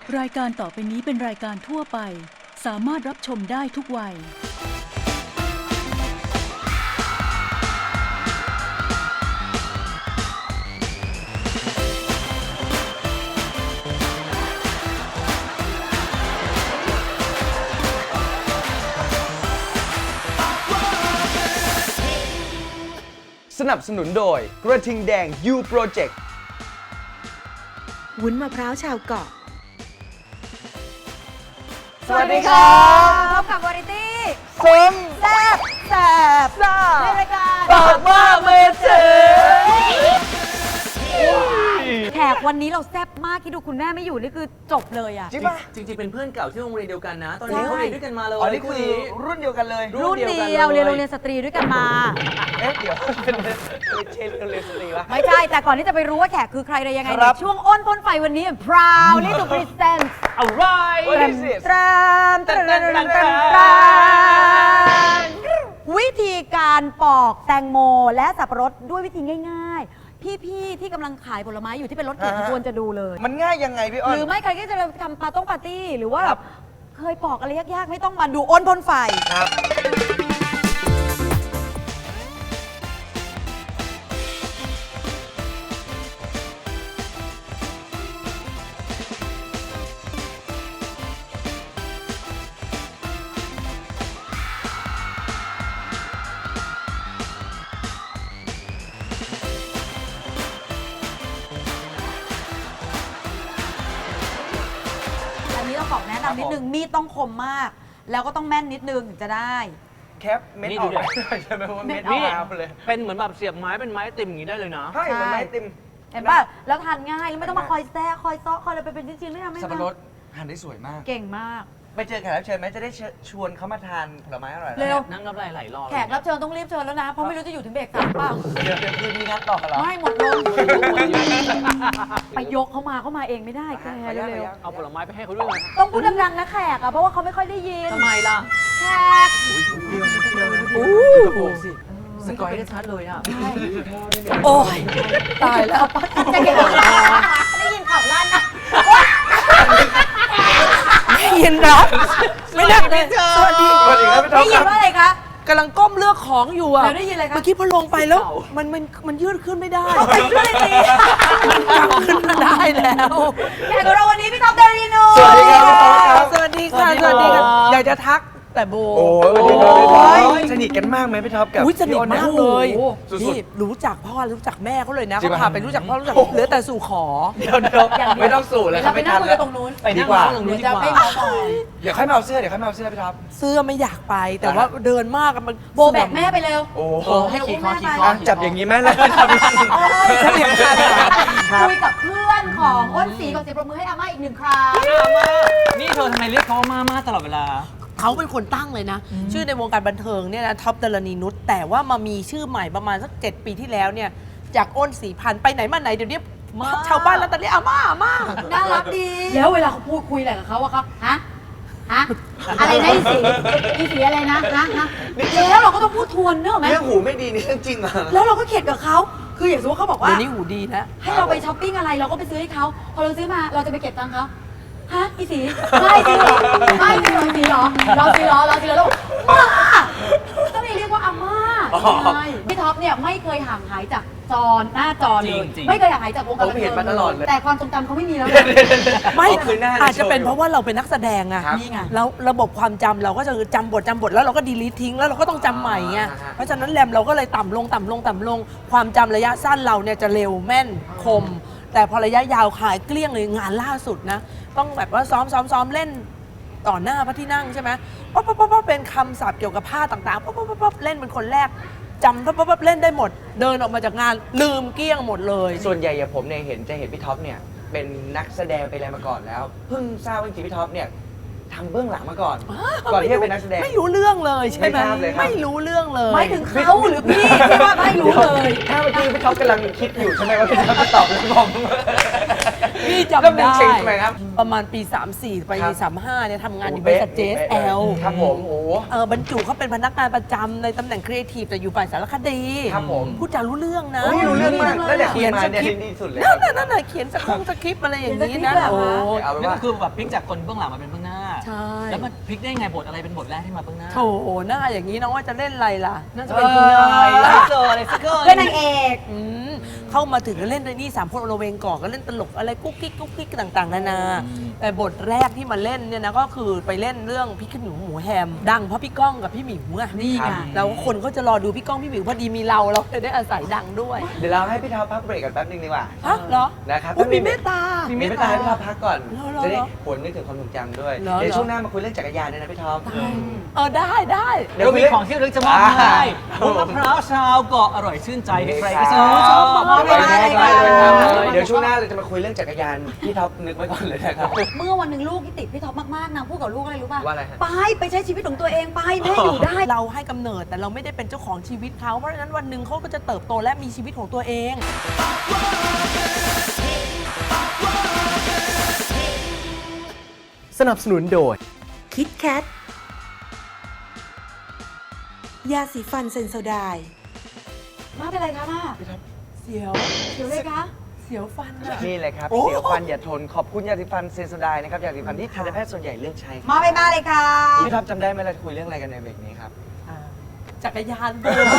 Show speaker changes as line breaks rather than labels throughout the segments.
รายการต่อไปนี้เป็นรายการทั่วไปสามารถรับชมได้ทุกวัย
สนับสนุนโดยกระทิงแดง U Project
วุ้นมะพร้าวชาวเกาะ
สวัสดีครับ
พบกับวาไรตี้
ซิม
แซ่บแซ่บในรายการ
ปากว่าเมเจอ
แขกวันนี้เราแซ่บมากที่ดูคุณแม่ไม่อยู่นี่คือจบเลยอ่ะ
จริงป่ะ
จริงๆเป็นเพื่อนเก่าที่โรงเรียนเดียวกันนะ ตอนนี้
ใช่
เขาเรียนด้วยกันมาเลย
อ๋อนี่คือรุ่นเดียวกันเลย
รุ่นเดียวเรียนโรงเรียนสตรีด้วยกันมา
เอ๊ะเดี๋ยวเป็นเชนเรียนสตรีวะ
ไม่ใช่ แต่ก่อนที่จะไปรู้ว่าแขกคือใครอะไรยังไง
ครั
เนี่ย
บ
ช่วงอ้นพ่นไฟวันนี้ proudly to present
อะไร
What is this?
ตรามตรามตรามตรามตรามวิธีการปอกแตงโมและสับปะรดด้วยวิธีง่ายๆ พี่ๆที่กำลังขายผลไม้อยู่ที่เป็นรถเข็นควรจะดูเลย
มันง่ายยังไงพี่อ้อ
ห
น
รือไม่ใครที่จะทำปาร์ตี้หรือว่า
ครับ
เคยปอกอะไรยากๆ ไม่ต้องมาดูอ้นพ่นไฟ
ครับ
อันนี้ต้องบอกแนะนำนิดนึง มีดต้องคมมาก แล้วก็ต้องแม่นนิดนึงถึงจะได้
แคปเม็ดออกใช่ไหมว่าเม็ด
นี่
ออกเลย
เป็นเหมือนแบบเสียบไม้เป็นไม้ติ่มอย่างนี้ได้เลยนะ
ใช่เหมือนไม้ติม
เห็นป่ะ แล้วทานง่าย แล้วไม่ต้องมาคอยแซ่คอยซ้อคอยอะไรไปเป็นชิ้นๆไม่ทำไม่
สับปะ
ทำ
รดหั่นได้สวยมาก
เก่งมาก
ไปเจอแขกรับเชิญไหมจะได้ชวนเขามาทานผลไม้อร่อยๆ
เร็ว
นั่งน้ำลายไหลรอ
แขกรับเชิญต้องรีบเชิญแล้วนะ เพราะไม่รู้จะอยู่ถึงเบรกสามเปล่า
เดี๋ยวคืนนี้นัดต่อกันเหรอ
ไม่หมดลมไปยกเขามาเองไม่ได้แกเร็ว
เอาผลไม้ไปให้เขาด้วยนะ
ๆต้องพูดดังๆนะแขกอะเพราะว่าเขาไม่ค่อยได้ยิน
ทำไมล่ะ
แขก
สิสกอยได้ชัดเลยอ่ะ
โอ้ยตายแล้วจะเก่งได้ยินข่าวลั่นนะได้ยินเหรอไม่ได้เลยสวัสดี
สวัสดีครับพี่ท็อ
ได้
ป
ยิ
คน รับ
ว่าอะไรคะ
กำลังก้มเลือกของอยู่อะ
แล้วได้ยินอะไรคะ
เมื่อกี้พอลงไปแล้วมันยืดขึ้นไม่ได้
ไปช่วยสิ
ขึ้นมาได้แล้ว
แขกของเราวันนี้พี่ท็อปเดริโน
สวัสดีครับพี่ท็อปครับ
สวัสดีค่ะสวัสดีค่ะอยากจะทักแต่โบ
โอ้ยสวัสดีครับพี่ท็อปสนิทกันมากไหมพี่ท็อปกับ
อุ๊ยสนิท
พี่อ้
มากเลย
สุด
นี่รู้จักพ่อรู้จักแม่เขาเลยนะ
จริง
เขา
ปะ
พาไปรู้จักพ่อรู้จัก
โอ้โห
เหลือแต่สู่ขอ
เดี๋ยวไม่ต้องสู่เลยครั
เรา
บ
ไป
ไม่
นั่
ทั
ง
น
คุย
แล้ว
ตรงนู้น
ไปนั่ง
ดีกว่า
ร้านตรงนู้นดี
จะ
กว่า
ไม่เมาบ่อย
เดี๋ยวค่อยมาเอาเสื้อพี่ท็อป
เสื้อไม่อยากไป แต่ว่าเดินมากอะมัน
โบแบกแม่ไปเร็ว
โอ้โห
ให้ขี่คอขี่คอ
อ่ะจับอย่างนี้ไหมล่ะทำยังไง
สนิทกันอะ
ครับ
คุยกับเพื่อนของอ้นสีก่อนเสียงปรบมือให้อาม่าอีกหนึ่งครั้ง
นี่เธอทำไมเรียกเขาว่ามาตลอดเวลา
เขาเป็นคนตั้งเลยนะ ชื่อในวงการบันเทิงเนี่ยนะท็อปดารณีนุชแต่ว่ามามีชื่อใหม่ประมาณสัก7 ปีที่แล้วเนี่ยจากอ้นสีพันธุ์ไปไหนมาไหนเดี๋ยวนี้ชาวบ้านแล้วตอนนี้อาม่า
น่ารักดี แล้วเวลาเขาพูดคุยอะไรกับเขาอะครับฮะอะไรนะอีสีอะไรนะแล้วเราก็ต้องพูดทวนเนอะไหม
เรื่องหูไม่ดีนี่เรื่องจริงเหรอ
แล้วเราก็เข็ดกับเขาคืออย่างสมมติเขาบอกว่า
เดี๋ยวนี้หูดีนะ
ให้เราไปช้อปปิ้งอะไรเราก็ไปซื้อให้เขาพอเราซื้อมาเราจะไปเก็บตังค์เขาฮะอีสีไม่จริงเหรอไม่จริงเหรออีสีเหรอเราสีเหรอแล้วมาต้องเรียกว่าอาม่าใช่พี่ท็อปเนี่ยไม่เคยห่างหายจากหน้าจอเลย
จริง
ไม่เคยห่างหายจากวงการบัน
ผมเห็
เทิ
น
ง
มาตลอดเลย
แต่ความทรงจำเขาไม่มีแล้ว
ไม่
เอาคืนหน้า
อาจจะเป็นเพราะว่าเราเป็นนักแสดงอะ
ครับ
นี่ไง
แล้วระบบความจำเราก็จะจำบทแล้วเราก็ดีลีททิ้งแล้วเราก็ต้องจำใหม่ไง
อ่าฮะ
เพราะฉะนั้นแรมเราก็เลยต่ำลงความจำระยะสั้นเราเนี่ยจะเร็วแม่นคม แต่พอระยะยาวขายเกลี้ยงเลยงานล่าสุดนะ ต้องแบบว่าซ้อมเล่นต่อหน้าพระที่นั่งใช่ไหมป๊อปเป็นคำศัพท์เกี่ยวกับผ้าต่างๆป๊อปเล่นเป็นคนแรกจำป๊อปเล่นได้หมด เดินออกมาจากงานลืมเกลี้ยงหมดเลย
ส่วนใหญ่อย่างผมเนี่ยจะเห็นพี่ท็อปเนี่ยเป็นนักแสดงไปอะไรมาก่อนแล้วเพิ่งทราบว่าจริงๆพี่ท็อปเนี่ยทำเบื้องหลังมาก่อนก่อนที่จะเป็นนักแสดง
ไม่รู้เรื่องเลยใช่ไหม
ไม่ทราบเลยครับ
ไม่รู้เรื่องเลย
ไม่ถึงเขาหรือพี่ที่ว่าไม่รู้เลย
ถ้าเมื่อกี้พี่ท็อปกำลังคิดอยู่ใช่ไหมว่าพี่ท็อปจะตอบหรือผม
พี่จำ
เริ่มเป็น
ได้
เชงทำไมครับ
ประมาณปี 34 ไป
ครับ
35เนี่ยทำงานอยู่บริษัท JSL
ครับผมโอ้
บรรจุเขาเป็นพนักงานประจำในตำแหน่งครีเอทีฟแต่อยู่ฝ่ายสารคดี
ครับผม
พูดจารู้เรื่องนะ
โอ้ยรู้เรื่องมากแล้วเดี๋ยว
เขียน
มา
ส
เนี่ย
คริปต์
ดีสุดเลย
นั่นน่ะเขียนสคริปต์อะไรอย่างนี้นะ
เขียนสคริปต์เหรอคะ
โอ้
เอาเป็น
นั่น
ว่า
ก็คือแบบพลิกจากคนเบื้องหลังมาเป็นเบื้องหน้า
ใช่
แล้วมันพลิกได้ไงบทอะไรเป็นบทแรกที่มาเบื้องหน้า
โถหน้าอย่างนี้น้องว่าจะเล่นอะไรล่ะ
น่าจะเป็นคุณนายเจออะไรสักเกิน
เป็นนางเอก
อืมเข้ามาถึงก็เล่นในนี่สามคนโรเวงก่อนก็เล่นตลกอะไรกุ๊กกิ๊กต่างๆนานา แต่บทแรกที่มาเล่นเนี่ยนะก็คือไปเล่นเรื่องพริกขี้หนูหมูแฮม ดังเพราะพี่ก้องกับพี่หมิวไง
นี่ไง
แล้วคนก็จะรอดูพี่ก้องพี่หมิวพอดีมีเราเลยได้อาศัยดังด้วย
เดี๋ยวเราให้พี่ท็อปพักเบรกกันแป๊บนึงดีกว่า
ฮะเหรอ
นะครับ
อุ๊ยมีเมตตา
มีเมตตาให้พี่ท็อปพักก่อน
เหรอ
จะได้ผลนึกถึงความทรงจำด้วย
เหรอ
เดี๋ยวช่วงหน้ามาคุยเรื่องจักรยานด้วยนะพี่ท็อป
ได้
เดี๋ยว
เรา
คุ
มี
ยเรื่อง
ของที่ระลึกจะมอบให้วุ้นมะพร้าวชาวเกาะอร่อยชื่นใจให้ใครก็ซื้อ
ชอบ
มอบให้เลยค่ะ
เดี๋ยวช่วงหน้าเราจะมาคุยเรื่องจักรยานพี่ท็อปนึกไว้ก่อนเลยนะครับ
เมื่อวันหนึ่งลูกที่ติดพี่ท็อปมากๆนางพูดกับลูกอะไรรู้ป่ะ
ว่าอะไรฮะ
ไปใช้ชีวิตของตัวเองไปแม่อยู่ได้
เราให้กำเนิดแต่เราไม่ได้เป็นเจ้าของชีวิตเขาเพราะฉะนั้นวันหนึ่งเขาก็จะเติบโตและมีชีวิตของตัวเอง
สนับสนุนโดย
คิดแคทยาสีฟันเซนโซไดน์
มาเป็นไรคะมา
เสียว
เดี๋ยวเลยคะ
เสียวฟันอะ
นี่เลยครับ
โอ้
เสียวฟันอย่าทนขอบคุณยาสีฟันเซนโซไดน์นะครับยาสีฟันที่ทันตแพทย์ส่วนใหญ่เลือกใช้ครับ
มาเลยค่ะ
พี่ท็อปจำได้ไหมเราจะคุยเรื่องอะไรกันในเบรกนี้ครับ
จักรยานเดิน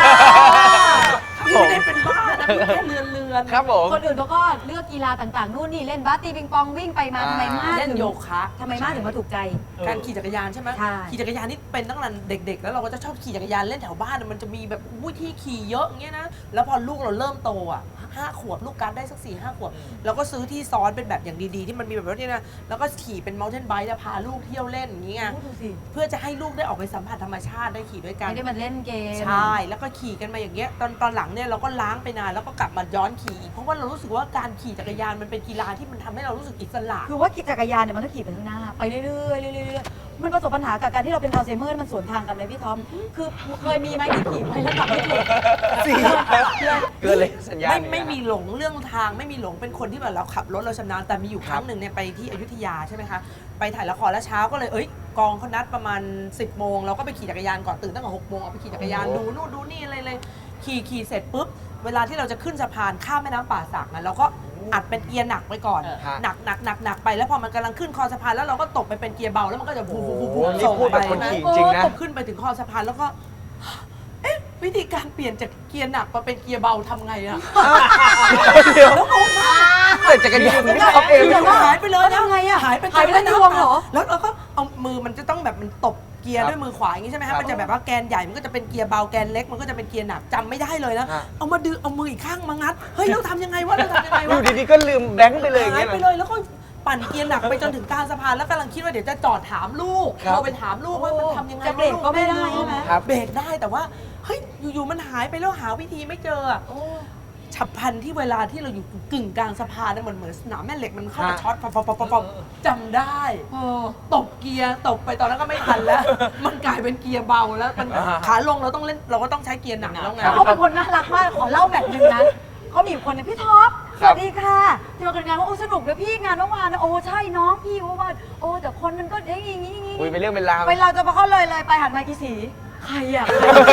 ไม่ได้เป็นบ้านะแค่เรือน
ครับผม
คนอื่นเขาก็เลือกกีฬาต่างๆนู่นนี่เล่นบาสตีปิงปองวิ่งไปมาทำไมมา
เล่น
ถึง
โยคะ
ทำไมมาถึงมาถูกใจ
การขี่จักรยานใช่ไหม
ใช่
ขี่จักรยานนี่เป็นตั้งแต่เด็ก ๆ แล้วเราก็จะชอบขี่จักรยานเล่นแถวบ้านมันจะมีแบบที่ขี่เยอะอย่างเงี้ยนะแล้วพอลูกเราเริ่มโตอ่ะ5 ขวบลูกการดได้สัก4-5 ขวบเราก็ซื้อที่ซ้อนเป็นแบบอย่างดีๆที่มันมีแบบนี้นะแล้วก็ขี่เป็น mountain bike จะพาลูกเที่ยวเล่นอย่างเงี้ย
พูดดูสิ
เพื่อจะให้ลูกได้ออกไปสัมผัสธรรมชาติได้ขี่ด้วยกัน
ไม่ได้มาเล่นเกม
ใช่ แล้วก็ขี่กันมาอย่างเงี้ย ตอนหลังเนี่ยเราก็ล้างไปนานแล้วก็กลับมาย้อนขี่อีกเพราะว่าเรารู้สึกว่าการขี่จักรยานมันเป็นกีฬาที่มันทำให้เรารู้สึกอิสระ
คือว่าขี่จักรยานเนี่ยมันต้องขี่ไปข้างหน้าไปเรื่อยๆเรื่อยๆมันประสบปัญหากับการที่เราเป็นอัลไซเมอร์มันสวนทางกันเลยพี่ทอมคือเคยมีไหมที่ขี่ไปแล้วกลับไม่ถูก
เกินเลยสัญญาณ
ไม่มีหลงเรื่องทางไม่มีหลงเป็นคนที่แบบเราขับรถเราชำนาญแต่มีอยู่ครั้งหนึ่งเนี่ยไปที่อยุธยาใช่ไหมคะไปถ่ายละครแล้วเช้าก็เลยกองเขานัดประมาณ 10 โมงเราก็ไปขี่จักรยานก่อนตื่นตั้งแต่6 โมงเอาไปขี่จักรยานดูนู่นดูนี่อะไรเลยขี่เสร็จปุ๊บเวลาที่เราจะขึ้นสะพานข้ามแม่น้ำป่าสักนะเราก็อัดเป็นเกียร์หนักไว้ก่อน
ฮะ
หนักไปแล้วพอมันกำลังขึ้นคอสะพานแล้วเราก็ตบไปเป็นเกียร์เบาแล้วมันก็จะวูบ
โอ้โห
วูบ
นี่พูดแบบคนขี่จริงนะ
ตบขึ้นไปถึงคอสะพานแล้วก็ เอ๊ะวิธีการเปลี่ยนจากเกียร์หนักมาเป็นเกียร์เบาทำไงอะ
เดี๋ยว
แล้วงงมาก
แต่จักรยานพี่ท็อปเอง
เดี๋ยวหายไปเลย
แล้วทำไงอะ
หายไป
หายไปทั้งยวงเหรอ
แล้วเราก็เอามือมันจะต้องแบบมันตบเกียร์ด้วยมือขวาอย่างนี้ใช่ไหม
ครั
ฮะ
บ
มันจะแบบว่าแกนใหญ่มันก็จะเป็นเกียร์เบาแกนเล็กมันก็จะเป็นเกียร์หนักจำไม่ได้เลยนะ
ฮะ
เอามาดึงเอามืออีกข้างมางัดเฮ้ยเราทำยังไงวะเราทำยังไง
อ
วะ
ยู่ดีๆก็ลืมแบงค์ไปเลยอย่าง
หาย
เงี้ย
ไปเลยแล้วก็ปั่นเกียร์หนักไปจนถึงกลางสะพานแล้วกำลังคิดว่าเดี๋ยวจะจอดถามลูก
ครับ
เราไปถามลูกว่ามันทำยังไง
จะเบรกก็ไม่ได้ใช่ไหม
ครับ
เบรกได้แต่ว่าเฮ้ยอยู่ๆมันหายไปแล้วหาวิธีไม่เจออะฉับพลันที่เวลาที่เราอยู่กึ่งกลางสะพานเนี่ยเหมือนสนามแม่เหล็กมันเข้ามาช็อตปอจำได้ตบเกียร์ตบไปตอนนั้นก็ไม่ทันแล้ว มันกลายเป็นเกียร์เบาแล้วมันขาลงเราต้องเล่นเราก็ต้องใช้เกียร์หนักแล้วไง
เขาเป็นคนน่ารักมากขอเล่าแบบหนึงนะเขามีอยู่คนหนึงพี่ท็อปสวัสดีค่ะที่มาเกิดงานว่าโอ้สนุกเลยพี่งานเมื่อวานนะโอ้ใช่น้องพี่ว่าโอ้แต่คนมันก็อย่างนี้
คุยไปเรื่องเป็นราว
ไปเราจะมาเข้าเลยไปหันมากี่สีใครอ่ะ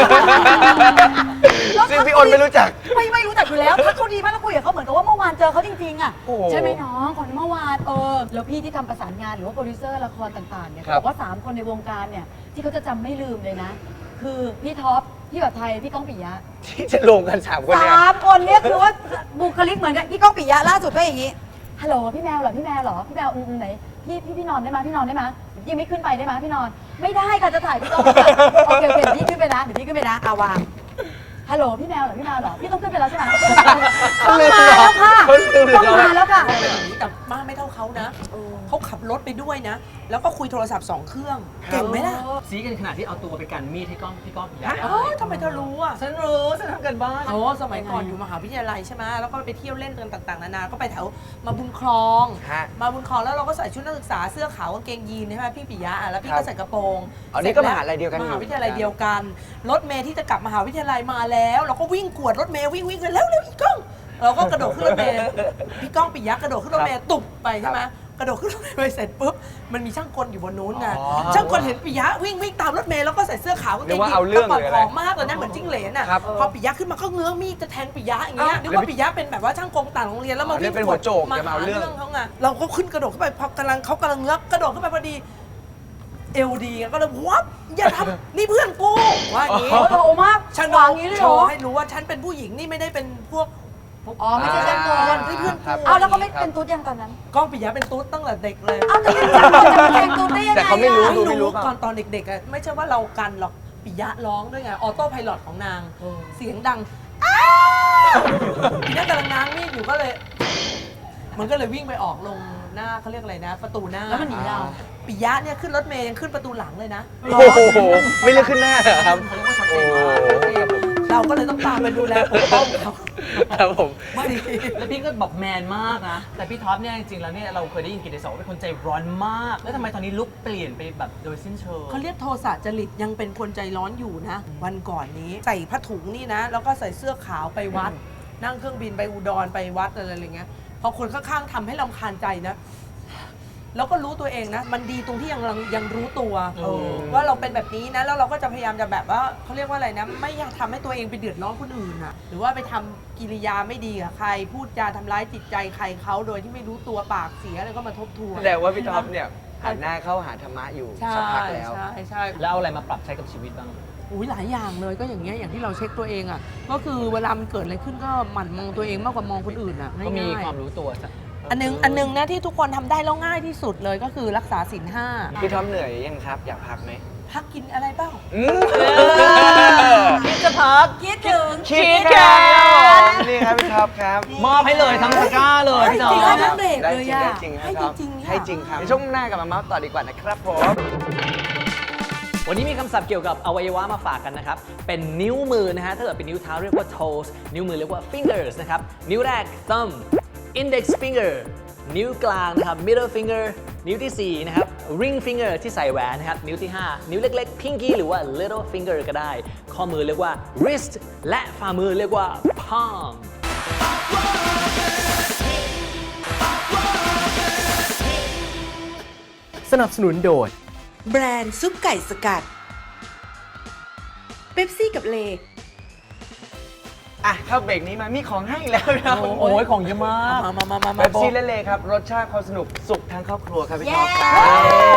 ซึ่งพี่อ้นไม่รู้จัก
ไม่รู้จักอยู่แล้วถ้าเขาดีมากแล้วคุยกับเขาเหมือนกับว่าเมื่อวานเจอเขาจริงๆอ่ะ
โอ้โห
ใช่ไหมน้องคนเมื่อวานแล้วพี่ที่ทำประสานงานหรือว่าโปรดิวเซอร์ละครต่างๆเนี่ย
ครับ
บอกว่า3 คนในวงการเนี่ยที่เขาจะจำไม่ลืมเลยนะ คือพี่ท็อปพี่แบบไทยพี่ก้องปิยะ
ที่จะลงกัน3คนเนี่ย
3 คนเนี่ยคือว่าบุคลิกเหมือนกันพี่ก้องปิยะล่าสุดก็อย่างนี้ฮัลโหลพี่แมวเหรอพี่แมวเหรอพี่แมวไหนพี่นอนได้ไหมพี่นอนได้ไหมยังไม่ขึ้นไปได้ไหมพี่นอน ไม่ได้ค่ะจะถ่ายพี่ก้องโอเคเดี๋ยวพี่ขึ้นไปนะเอาวางฮัลโหลพี่แมวเหรอพี่ต้องขึ้นไปแล้วใช่ไหมต้องมาแล้วค่ะ
เขาลืมเหรอ
ต้องมาแล้วค่ะ
แต่มากไม่เท่าเขานะเขาขับรถไปด้วยนะ แล้วก็คุยโทรศัพท์2 เครื่อง เก่งไหมล่ะ
ซีกันขนาดที่เอาตัวไปกันมีดให้พี่ก้อง
ฮะทำไมเธอรู้อ่ะ
ฉันรู้ฉันทำกันบ้าน
โอ้สมัยก่อนอยู่มหาวิทยาลัยใช่ไหมแล้วก็ไปเที่ยวเล่นกันต่างๆนานาก็ไปแถวมาบุญครอง
ฮะ
มาบุญครองแล้วเราก็ใส่ชุดนักศึกษาเสื้อขาวกางเกงยีนใช่ไหมพี่ปิยะอ่ะแล้วพี่
ครั
ก็
บ
ใส่กระโปรง
อ๋อนี่ก็มหาลัยเดียวกัน
มหาวิทยาลัยเดียวกันรถเมย์ที่จะกลับมหาวิทยาลัยมาแล้ว เราก็วิ่งกวดรถเมย์วิ่งกันแล้วอีกก้องเราก็กระโดดขึ้นรถเมล์พี่ก้องปิยะกระโดดขึ้นรถเมล์ตุบไปใช่ไหมกระโดดขึ้นรถเมล์ไปเสร็จปุ๊บมันมีช่างกลอยู่บนนู้นไงช่างกลเห็นปิยะวิ่งตามรถเมล์แล้วก็ใส่เสื้อขาวกางเกงยีนส์กระเป๋าผอมมากเลยนะเหมือนจิ้งเหลนอ่ะพอปิยะขึ้นมาก็เงื้อมีดจะแทงปิยะอย่างเงี้ยนึกว่าปิยะเป็นแบบว่าช่างกลต่างโรงเรียนแล้วมาวิ่ง
เป็นหัวโจกจะมาเอาเรื่อง
เขาไงเราก็ขึ้นกระโดดขึ้นไปพอกำลังเงื้อกระโดดขึ้นไปพอดีเอลดีก็เลยวับอย่าทำนี่เพื่อนกูว่าอย่างนี้
โอ้มาก
ฉัน
วางอย่างนี้เลย
โช
เหรอ
ว์ให้รู้ว่าฉันเป็นผู้หญิงนี่ไม่ได้เป็นพวก
อ๋อไม่ใช่ช่างกล
ที่เพื่อนกู
เอาแล้วก็ไม่เป็นตุ๊ดยังตอนนั้น
ก้องปิยะเป็นตุ๊ดตั้งแต่เด็กเลย
เอาแต่ยังช่างกลจะมาแทงตุ๊ดได้ยังไง
แต่เขาไม่รู้
อะ
ไม่รู้ก่อนตอนเด็กๆอะไม่ใช่ว่าเรากันหรอกปิยะร้องด้วยไงออโต้ไพลอตของนางเสียงดังปิยะกำลังง้างมีดอยู่ก็เลย มันก็เลยวิ่งไปออกลงหน้าเขาเรียกอะไรนะ ประตูหน้า
แล้วมันหนีเรา
ปิยะเนี่ยขึ้นรถเมย์ยังขึ้นประตูหลังเลยนะ
โอ้โหไม่เลือกขึ้นหน้าเหรอครับ
เขาเรียกว่าชัดเจ
โอ้
นมาก
เราก็เลยต้องตามไปดูแลปกป้องเขา
ครับผม
ไม่ดี
แล้วพี่ก็แบบแมนมากนะ แต่พี่ท็อปเนี่ยจริงๆแล้วเนี่ยเราเคยได้ยินกิตติศักดิ์ว่าเป็นคนใจร้อนมาก แล้วทำไมตอนนี้ลุกเปลี่ยนไปแบบโดยสิ้นเชิง
เขาเรียกโทสะจริตยังเป็นคนใจร้อนอยู่นะ วันก่อนนี้ใส่ผ้าถุงนี่นะ แล้วก็ใส่เสื้อขาวไปวัด นั่งเครื่องบินไปอุดรไปวัดอะไรอย่างเงี้ยพอคนข้างๆทำให้รำคาญใจนะ แล้วก็รู้ตัวเองนะ มันดีตรงที่ยังรู้ตัวว่าเราเป็นแบบนี้นะ แล้วเราก็จะพยายามจะแบบว่าเขาเรียกว่าอะไรนะ ไม่อยากทำให้ตัวเองไปเดือดร้อนคนอื่นอะหรือว่าไปทำกิริยาไม่ดีกับใคร พูดจาทำร้ายจิตใจใครเขาโดยที่ไม่รู้ตัวปากเสียอะไรก็มาทบทวน
แต่ว่าพี่ท็อปเนี่ยหันหน้าเข้าหาธรรมะอยู่
ใช่
สักพักแล้ว
ใช่
แล้วเอาอะไรมาปรับใช้กับชีวิตบ้าง
อุ้ยหลายอย่างเลยก็อย่างเงี้ยอย่างที่เราเช็คตัวเองอ่ะก็คือเวลามันเกิดอะไรขึ้นก็หมั่นมองตัวเองมากกว่ามองคนอื่นอ่ะ
ก็มี
ง่ายๆ
ความรู้ตัว
อันนึงนะที่ทุกคนทำได้แล้วง่ายที่สุดเลยก็คือรักษาศีลห้า
พี่ท็อปเหนื่อยยังครับ อยากพักไหม
พักกินอะไรเปล่า
คิดจะพัก
คิดถึง
คิดกันนี่ครับพี่ท็อปครับ
มอบให้เลยทั้งตะกร้าเลยพี่ท็อ
จริง
ป
ๆนะเบรก
ได้
เลย
จริง
อะ
ได้จริง
ให้
ครับ
จริงๆ
ให้จริงครับช่วงหน้ากลับมาเมาส์ต่อดีกว่านะครับผม
วันนี้มีคำศัพท์เกี่ยวกับอวัยวะมาฝากกันนะครับ เป็นนิ้วมือนะฮะ ถ้าเกิดเป็นนิ้วเท้าเรียกว่า toes นิ้วมือเรียกว่า fingers นะครับ นิ้วแรก thumb index finger นิ้วกลางนะครับ middle finger นิ้วที่ 4 นะครับ ring finger ที่ใส่แหวนนะครับ นิ้วที่ 5 นิ้วเล็กๆ pinky หรือว่า little finger ก็ได้ ข้อมือเรียกว่า wrist และฝ่ามือเรียกว่า palm
สนับสนุนโดย
แบรนด์ซุปไก่สกัด เป๊ปซี่กับเล
อ่ะเข้าเบรกนี้มามีของให้อีกแล้วนะ
โอ้ยของเยอะมาก
มา
เบปซี่และเลครับ รสชาติความสนุกสุขทั้งครอบครัวครับพี่
เย้
ท็อปครับ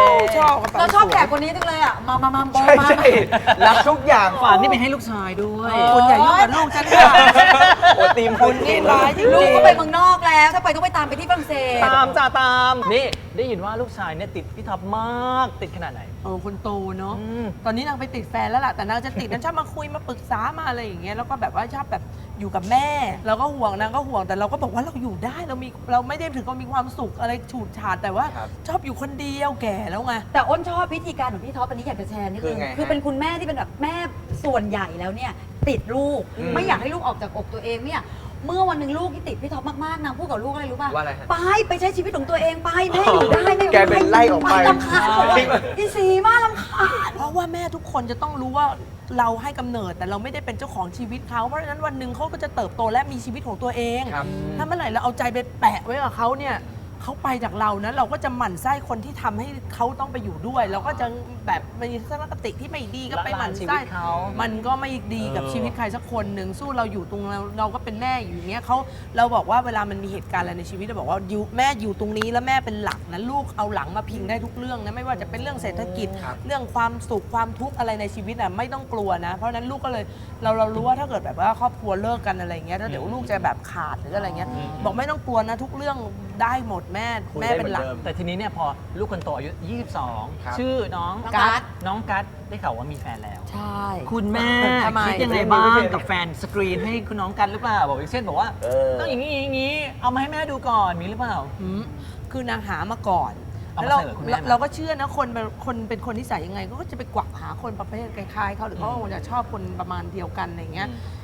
ชอบกระเป๋า
เราชอบ
สวย
แขกคนนี้จังเลยอ่ะ มาบอ
ใช่
มา
ใช่รักทุกอย่าง
ฝากนี่ไปให้ลูกชายด้วย
คนใหญ่ยุ่งกับลูกฉันค่ะ
โอ้ตีมคุณ
นี่ร้ายจริงๆ
ลูกก็ไปเมืองนอกแล้ว ถ้าไปต้องไปตามไปที่ฝรั่งเศส
ตามจ้าตาม นี่ได้ยินว่าลูกชายเนี่ยติดพี่ท็อปมาก ติดขนาดไหน
คนโตเนาะ
อืม
ตอนนี้นางไปติดแฟนแล้วล่ะ แต่นางจะติดนางชอบมาคุยมาปรึกษามาอะไรอย่างเงี้ย แล้วก็แบบว่าชอบแบบอยู่กับแม่ เราก็ห่วงนางก็ห่วง แต่เราก็บอกว่าเราอยู่ได้ เราไม่ได้ถึงกับมีความสุขอะไรฉูดฉาด แต่ว่า
ครับ
ชอบอยู่คนเดียวแก่แล้วไง
แต่อ้นชอบวิธีการของพี่ท็อปอันนี้อยากจะแชร์นิด
คื
นึ
อง ไงฮะ
คือเป็นคุณแม่ที่เป็นแบบแม่ส่วนใหญ่แล้วเนี่ย ติดลูก
อืม
ไม่อยากให้ลูกออกจากอกตัวเองไม่อยากเมื่อวันหนึ่งลูกที่ติดพี่ท็อปมากๆนางพูดกับลูกอะไรรู้ป่ะ
ว่าอะไรฮะ
ไปใช้ชีวิตของตัวเองไปแม่อยู่ได้แม่อยู่
แกเป็นไล่ออกไป
รำคาญพี่สีมากรำคาญ
เพราะว่าแม่ทุกคนจะต้องรู้ว่าเราให้กำเนิดแต่เราไม่ได้เป็นเจ้าของชีวิตเขา เพราะฉะนั้นวันหนึ่งเขาก็จะเติบโตและมีชีวิตของตัวเอง
ครับ
ถ้าเมื่อไหร่เราเอาใจไปแปะไว้กับเขาเนี่ยเขาไปจากเรานะเราก็จะหมั่นไส้คนที่ทำให้เขาต้องไปอยู่ด้วย เราก็จะแบบมีทัศนคติที่ไม่ดีก็ไปหมั่น
ชีวิ
ไส้
ตเขา
มันก็ไม่ดีกับชีวิตใครสักคนหนึ่งสู้เราอยู่ตรงเราก็เป็นแม่อยู่อย่างเงี้ยเราบอกว่าเวลามันมีเหตุการณ์อะไรในชีวิตเราบอกว่าแม่อยู่ตรงนี้แล้วแม่เป็นหลักนะลูกเอาหลังมาพิงได้ทุกเรื่องนะไม่ว่าจะเป็นเรื่องเศรษฐกิจ
ครับ
เรื่องความสุขความทุกข์อะไรในชีวิตอ่ะไม่ต้องกลัวนะ เพราะฉะนั้นลูกก็เลยเรารู้ว่าถ้าเกิดแบบว่าครอบครัวเลิกกันอะไรเงี้ยถ้าเดี๋ยวลูกจะแบบขาดหรืออะไรเงี้ยบอกไม่ต้องกลัวนะทุกเรื่องได้หมดแม่เป็นหลัก
แต่ทีนี้เนี่ยพอลูกคนโตอายุ
ครับ
22 ชื่อน้อง
กัส
น้องกัสได้ข่าวว่ามีแฟนแล้ว
ใช่
คุณแม่
ทำไม
คิดยังไงบ้างกับแฟนสกรีนให้คุณน้องกันหรือเปล่า บอกอย่างเช่นบอกว่า
เออ
ต้องอย่างนี้อย่างนี้ เอามาให้แม่ดูก่อนมีหรือเปล่า
คือนางหามาก่อน
เอามา
แล้ว
เสนอคุณแม่ไหม
เราก็เชื่อนะคนเป็นคนนิสัยยังไง ก็จะไปกวักหาคนประเภทคล้ายๆเขาหรือเขาคงจะชอบคนประมาณเดียวกันอะไรเงี้ย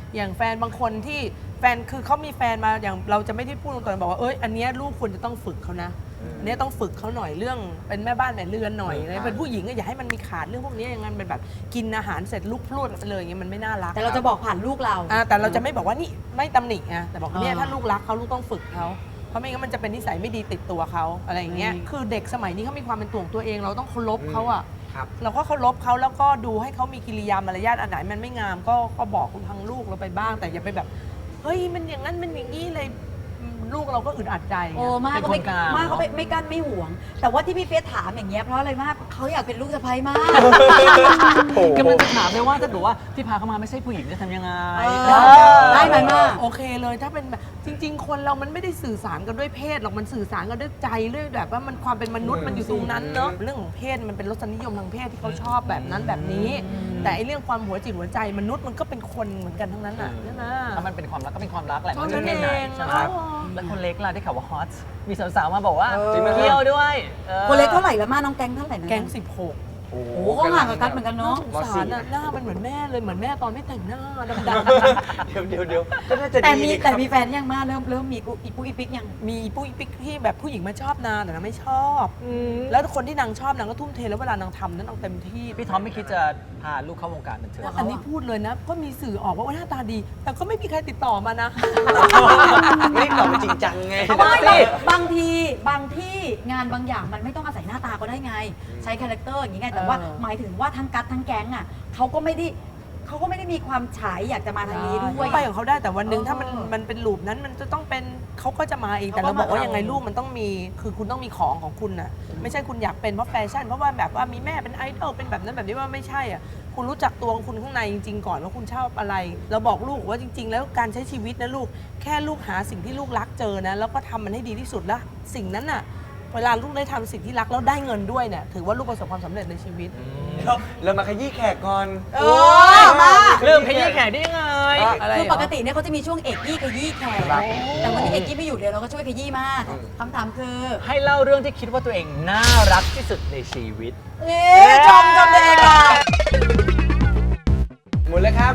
อย่างแฟนบางคนที่แฟนคือเขามีแฟนมาอย่างเราจะไม่ได้พูดตรงๆบอกว่าอันเนี้ยลูกควรจะต้องฝึกเขานะอันเนี้ยต้องฝึกเขาหน่อยเรื่องเป็นแม่บ้านแม่เรือนหน่อยนะเป็นผู้หญิงก็อย่าให้มันมีขาดเรื่องพวกนี้อย่างนั้นเป็นแบบกินอาหารเสร็จลุกพรวดไปเลยอย่างเงี้ยมันไม่น่ารัก
แต่เราจะบอกผ่านลูกเรา
แต่เราจะไม่บอกว่านี่ไม่ตำหนิไงแต่บอกว่าเนี่ย
อ่า
ถ้าลูกรักเขาลูกต้องฝึกเขาเพราะไม่งั้นมันจะเป็นนิสัยไม่ดีติดตัวเขาอะไรอย่างเงี้ยคือเด็กสมัยนี้เขามีความเป็นตัวของตัวเองเราต้องเคารพเขาอะ
ครับ
เราก็เคารพเขาแล้วก็ดูให้เขามีกิริยามารยาทอันไหนมันไม่งามก็บอกทางลูกเราไปบ้าง แต่อย่าไปแบบเฮ้ยมันอย่างนั้นมันอย่างนี้เลยลูกเราก็อึดอัดใจ
โอ้มาก
เป็น
ก็
ค
ไม่
นกลาง
มากก็ไม่กั้นไม่หวง แต่ว่าที่พี่เฟียสถามอย่างเงี้ยเพราะอะไรมากเขาอยากเป็นลูกสะใภ้มาก
กำลังจะถามเลยว่าถ้าเกิดว่าที่พาเข้ามาไม่ใช่ผู้หญิงจะทำยังไง
ได้ไหมมาก
โอเคเลยถ้าเป็นแบบจริง ๆ คนเรามันไม่ได้สื่อสารกันด้วยเพศหรอกมันสื่อสารกันด้วยใจด้วยแบบว่ามันความเป็นมนุษย์มันอยู่ตรงนั้นเนาะเรื่องของเพศมันเป็นรสนิยมทางเพศที่เขาชอบแบบนั้นแบบนี้ แต่ไอ้เรื่องความหัวจิตหัวใจมนุษย์มันก็เป็นคนเหมือนกันทั้งนั้นอ่ะใช่ไหม
ถ้ามันเป็นความรักก็เป็นความรักแหละ
เท่า
ไม่
นั้น
ใช่เพศไหน
เอง
ใช่ไหม
ครับ
แล้วคนเล็กล่ะได้ข่าวว่าฮอตมีสาวๆมาบอกว่า
จริงไหม
เที่ยวด้วยออ
คนเล็กเท่าไหร่แล้วมาน้องแก๊งเท่าไหร่นะ
แก๊ง16
โอ้
โอ้ก็ห่างกับกันเหมือนกันเนาะ
สงสารน่ะหน้ามันเหมือนแม่เลยเหมือนแม่ตอนไม่แต่งหน้าดำ
เดี๋ยวก็น่าจะ
แต่
ดี
มี
นี่
แต่มีแฟนยังมาเริ่มมีอีปุ๊อีปิ๊กยัง
ๆมีปุ้ยปิ๊กที่แบบผู้หญิงมาชอบนางแต่นางไม่ชอบ แล้วคนที่นางชอบนางก็ทุ่มเทแล้วเวลานางทำนั้นนางเต็มที่
พี่ท็อปไม่คิดจะพาลูกเข้าวงการบันเทิง
อันนี้พูดเลยนะ ก็มีสื่อออกว่าหน้าตาดี แต่ก็ไม่มีใครติดต่อมานะ
ไม่ได้ตอบมาจริงจังไง
ไม่บางที่งานบางอย่างมันไม่ต้องอาศัยหน้าตาก็ได้ไง ใช้คาแรคเตอร์อย่างนี้ไงแต่ว่า หมายถึงว่าทั้งกัดทั้งแก๊งอ่ะเขาก็ไม่ได้มีความฉายอยากจะมาทางนี้ด้วย
ไปของเขาได้แต่วันหนึ่งถ้ามันเป็นลูปนั้นมันจะต้องเป็นเขาก็จะมาเองแต่เราบอกว่ายังไงลูกมันต้องมีคือคุณต้องมีของคุณน่ะไม่ใช่คุณอยากเป็นเพราะแฟชั่นเพราะว่าแบบว่ามีแม่เป็นไอดอลเป็นแบบนั้นแบบนี้ว่าไม่ใช่อ่ะคุณรู้จักตัวของคุณข้างในจริงๆก่อนว่าคุณชอบอะไร เราบอกลูกว่าจริง ๆ แล้วการใช้ชีวิตนะลูกแค่ลูกหาสิ่งที่ลูกรักเจอนะแล้วก็ทำมันให้ดีที่สุดแล้วสิ่งนั้นน่ะเวลาลูกได้ทำสิ่งที่รักแล้วได้เงินด้วยเนี่ยถือว่าลูกประสบความสำเร็จในชีวิต
เรามาขยี้แขกก่อน
มา
เริ่มขยี้แขกได้ยังไง
อะไร
คือ
เหรอ
ปกติเนี่ยเขาจะมีช่วงเอกยี่ขยี้แขกแต่วันนี้เอกยี่ไม่อยู่เดี๋ยวเราก็ช่วยขยี้มากคำถามคือ
ให้เล่าเรื่องที่คิดว่าตัวเองน่ารักที่สุดในชีวิต
ชมตัวเองอ่ะ
หมุนเลยครับ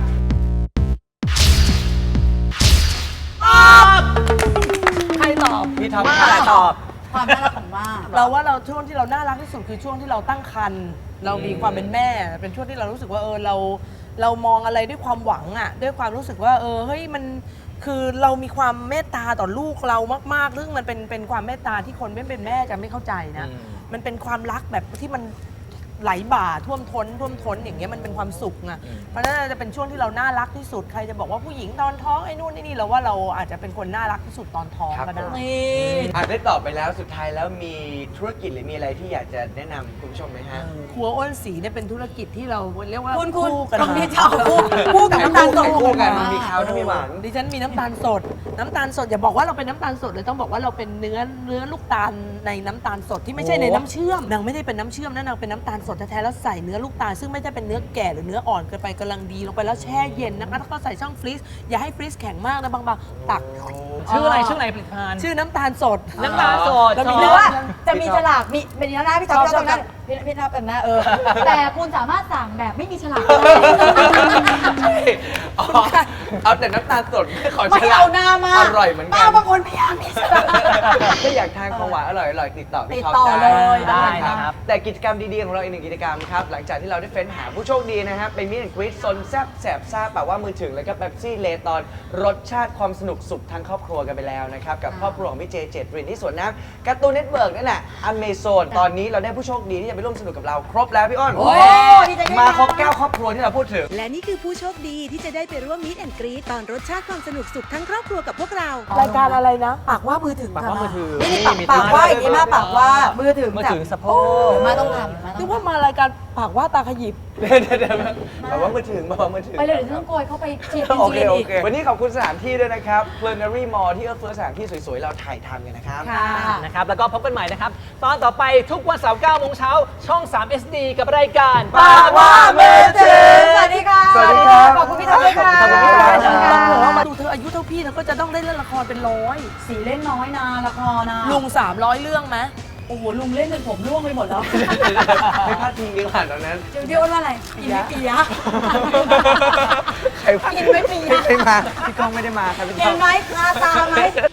ใครตอบ
พี่ท็อป
ว่าตอบ
ความน่ารักของว่า
เราว่าเราช่วงที่เราน่ารักที่สุดคือช่วงที่เราตั้งครรภ์เรามีความเป็นแม่ เป็นช่วงที่เรารู้สึกว่าเรามองอะไรด้วยความหวังอ่ะด้วยความรู้สึกว่าเฮ้ยมันคือเรามีความเมตตาต่อลูกเรามากๆซึ่งมันเป็นความเมตตาที่คนไม่เป็นแม่จะไม่เข้าใจนะ มันเป็นความรักแบบที่มันไหลบ่าท่วมท้นอย่างเงี้ยมันเป็นความสุขไงเพราะฉะนั้นจะเป็นช่วงที่เราน่ารักที่สุดใครจะบอกว่าผู้หญิงตอนท้องไอ้นู่นไอ้นี่เราว่าเราอาจจะเป็นคนน่ารักที่สุดตอนท้องก็ได้
นี่
ได้ตอบไปแล้วสุดท้ายแล้วมีธุรกิจหรือมีอะไรที่อยากจะแนะนำคุณผู้ชมไหมฮะ
ครัวอ้นสีเนี่ยเป็นธุรกิจที่เราเรียกว่า
คุณ
กัน
ตรง
มา
นี้จะเอาคู่กับน้ำตาลสด
คู่กันมีข้าวถ้ามีหวาน
ดิฉันมีน้ำตาลสดอย่าบอกว่าเราเป็นน้ำตาลสดเลยต้องบอกว่าเราเป็นเนื้อลูกตาลในน้ำตาลสดที่ไม่ใช่ในน้ำเชื่อมนางไม่ได้เป็นน้ำเชื่อมนะนางเป็นน้ำตาลสดแท้ๆแล้วใส่เนื้อลูกตาลซึ่งไม่ได้เป็นเนื้อแก่หรือเนื้ออ่อนเกินไปกำลังดีลงไปแล้วแช่เย็นนะคะแล้วก็ใส่ช่องฟรีซอย่าให้ฟรีซแข็งมากนะบางๆตัก
ชื่ออะไรผลิตภัณฑ์
ชื่อน้ำตาลสด
น้ำตาลสด
แล้วมี
หรื
เนื้
อ
อ
ว่าจะมีฉลากมีเป็นหน้าพี่ท็อปตรงนั้นพี่ท็อปเป็นหน้าแต่คุณสามารถสั่งแบบไม่มีฉลากได้
เอาแต่น้ำตาลสดไม่ขอ
ไม่
ฉลา
เอาหน้ามาก
อร่อยเหมือนกั
ป้าน บางคนพยายามมีฉลาก
ถ้าอยากทานของหวานอร่อยติดต่อพี่ท็อป
ติดต่อเลย
ได้นะครับ
แต่กิจกรรมดีๆของเราอีกหนึ่งกิจกรรมครับหลังจากที่เราได้เฟ้นหาผู้โชคดีนะครับไปมีดแอนด์กรีดซนแซบแสบซ่าแบบว่ามือถึงแล้วก็เป๊ปซี่เลตอนรสชาติความสนุกสุขทั้งครอบครัวกันไปแล้วนะครับกับครอบครัวของพี่เจเจตรินที่สวนน้ำการ์ตูนเน็ตเวิร์กนั่นแหละอเมซอนตอนนี้เราได้ผู้โชคดีที่จะไปร่วมสนุกกับเราครบแล้วพี่อ้น
โอ้ดีใจด้วยนะ
มาครบ9ครอบครัวที่เราพูดถึง
และนี่คือผู้โชคดีที่จะได้ไปร่วมมิตแอนกรีตอนรสชาติความสนุกสุขทั้งครอบครัวกับพวกเรา
รายการอะไรนะ
ปากว่ามือถึง
ปากว่ามือถือ
นี่
มี
ปากว่าอย่างนี้มากปากว่ามือถึง
มือถือสะโพก
มาต้องทำ
นึกว่ามารายการปากว่าตาขยิบ
เดี๋ยวแบบว่ามือถึง
ไปเลยเดี๋ยวฉันต้องโกยเข้าไปฉีด
โอ
อิน
เค
ซูลิน
โอ
อีก
เควันนี้ขอบคุณสถานที่ด้วยนะครับ Plenary Mall ที่เอื้อเฟื้อสถานที่สวยๆ เราถ่ายทำกันนะครับ
ค่ะ
นะครับแล้วก็พบกันใหม่นะครับ ตอนต่อไปทุกวันเสาร์9โมงเช้าช่อง 3 SD กับรายการ
ปากว่ามือถึง
สวัสดีค่ะ
สวัสดีครับ
ขอบคุณพี่ท็อปด้วยค่ะ
ขอบคุณพี่ท็อป
ขอบคุณค่ะ
มาดูเธออายุเท่าพี่เธอก็จะต้องได้เล่นละครเป็นร้อย
สีเล่นน้อยนะละครนะ
ลุง300 เรื่องไหม
โอ้โหลุงเล่นจนผมร่วงไปหมดแล้ว
ไม่พลาดทิ้งดีกว่าตอนนั้น
เดี๋ยวพี่อ้นว่าอะไรกินไม่เปียะ
ใครว่า
กินไหมปี
ไม่มาพี่ก้องไม่ได้มาครับพี่
เห็
ก้อน ง
ไหมคาตาไหม